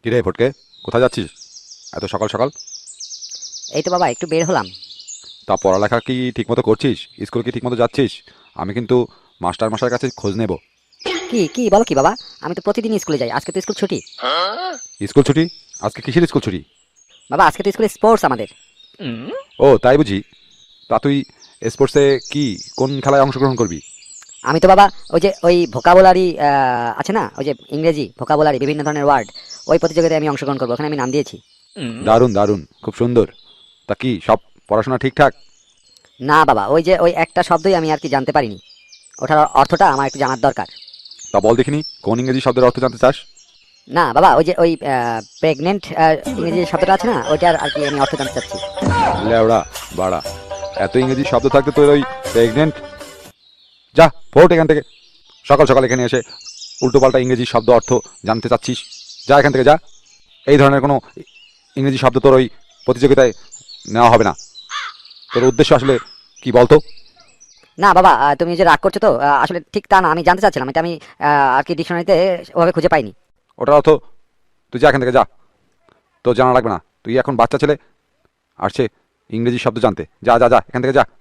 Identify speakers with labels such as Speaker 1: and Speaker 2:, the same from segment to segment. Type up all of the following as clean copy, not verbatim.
Speaker 1: কিরে ফটকে, কোথায় যাচ্ছিস এত সকাল সকাল?
Speaker 2: এই তো বাবা একটু বের হলাম।
Speaker 1: তা পড়ালেখা কি ঠিকমতো করছিস? স্কুল কি ঠিকমতো যাচ্ছিস? আমি কিন্তু মাস্টার মশাইয়ের কাছে খোঁজ নেব।
Speaker 2: কি কি বলো কি বাবা? আমি তো প্রতিদিন স্কুলে যাই, আজকে তো স্কুল ছুটি।
Speaker 1: স্কুল ছুটি? আজকে কিসের স্কুল ছুটি?
Speaker 2: বাবা আজকে তো স্কুলে স্পোর্টস আমাদের।
Speaker 1: ও তাই বুঝি। তা তুই স্পোর্টসে কি কোন খেলায় অংশগ্রহণ করবি?
Speaker 2: আমি তো বাবা ওই ভোকাবুলারি আছে না, ওই যে ইংরেজি ভোকাবুলারি বিভিন্ন ধরনের ওয়ার্ড, ওই প্রতিযোগিতায় আমি অংশগ্রহণ করবো, ওখানে আমি নাম দিয়েছি।
Speaker 1: দারুণ দারুণ, খুব সুন্দর। তা কি সব পড়াশোনা ঠিকঠাক?
Speaker 2: না বাবা, ওই একটা শব্দই আমি আর কি জানতে পারিনি, ওটার অর্থটা আমার একটু জানার দরকার।
Speaker 1: তা বল দেখিনি, কোন ইংরেজি শব্দের অর্থ জানতে চাস?
Speaker 2: না বাবা, ওই প্রেগনেন্ট ইংরেজি শব্দটা আছে না, ওইটার আর কি আমি অর্থ জানতে চাচ্ছি।
Speaker 1: লেওড়া বাড়া, এত ইংরেজি শব্দ থাকতে তোর ওই প্রেগনেন্ট? যা ফোট এখান থেকে। সকাল সকাল এখানে এসে উল্টোপাল্টা ইংরেজি শব্দ অর্থ জানতে চাচ্ছিস? যা এখান থেকে যা। এই ধরনের কোনো ইংরেজি শব্দ তোর ওই প্রতিযোগিতায় নেওয়া হবে না। তোর উদ্দেশ্য আসলে কি বলতো?
Speaker 2: না বাবা, তুমি যে রাগ করছো তো, আসলে ঠিক তা না, আমি জানতে চাচ্ছিলাম, এটা আমি আর কি ডিকশনারিতে ওভাবে খুঁজে পাইনি।
Speaker 1: ওটার অর্থ তুই যা এখান থেকে যা, তোর জানা লাগবে না। তুই এখন বাচ্চা ছেলে, আসছে ইংরেজি শব্দ জানতে। যা যা যা এখান থেকে যা।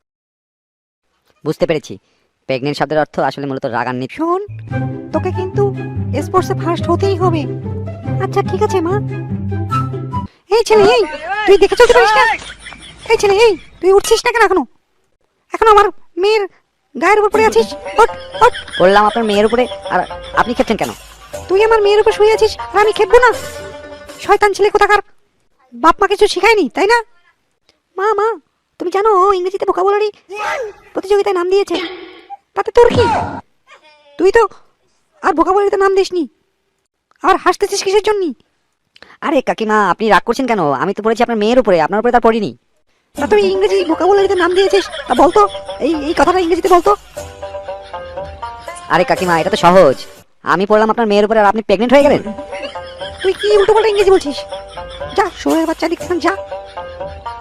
Speaker 2: বুঝতে পেরেছি, প্রেগনেন্ট শব্দের অর্থ আসলে মূলত রাগান্বিত।
Speaker 3: শোন, তোকে কিন্তু স্পোর্টসে ফার্স্ট হতেই হবে। আচ্ছা ঠিক আছে মা। এই ছেলে, এই তুই দেখে চলতে পারিস না? এই ছেলে, এই তুই উঠছিস না কেন এখনো? এখনো আমার মেয়ের গায়ের উপর পড়ে আছিস? ওঠ ওঠ।
Speaker 2: বললাম আপনার মেয়ের উপরে, আর আপনি খেপছেন কেন?
Speaker 3: তুই আমার মেয়ের উপর শুয়ে আছিস আর আমি খেপবো না? শয়তান ছেলে কোথাকার, বাপ মা কিছু শিখায়নি তাই না? মা মা, তুমি জানো ও ইংরেজিতে ভোকাবুলারি প্রতিযোগিতায় নাম দিয়েছে। তাতে তোর কি? তুই তো আর ভোকাবুলারিতে নাম দিসনি, আর হাসতেছিস কিসের জন্য?
Speaker 2: আরে কাকিমা, আপনি রাগ করছেন কেন? আমি তো পড়েছি আপনার মেয়ের উপরে, আপনার উপরে তার পড়িনি।
Speaker 3: তা তুই ইংরেজি ভোকাবুলারিতে নাম দিয়েছিস, তা বলতো এই এই কথাটা ইংরেজিতে বলতো।
Speaker 2: আরে কাকিমা, এটা তো সহজ। আমি পড়লাম আপনার মেয়ের উপরে আর আপনি প্রেগনেন্ট হয়ে গেলেন।
Speaker 3: তুই কি উল্টোপাল্টা ইংরেজি বলছিস? যা শোয়ের বাচ্চা, দিক যা।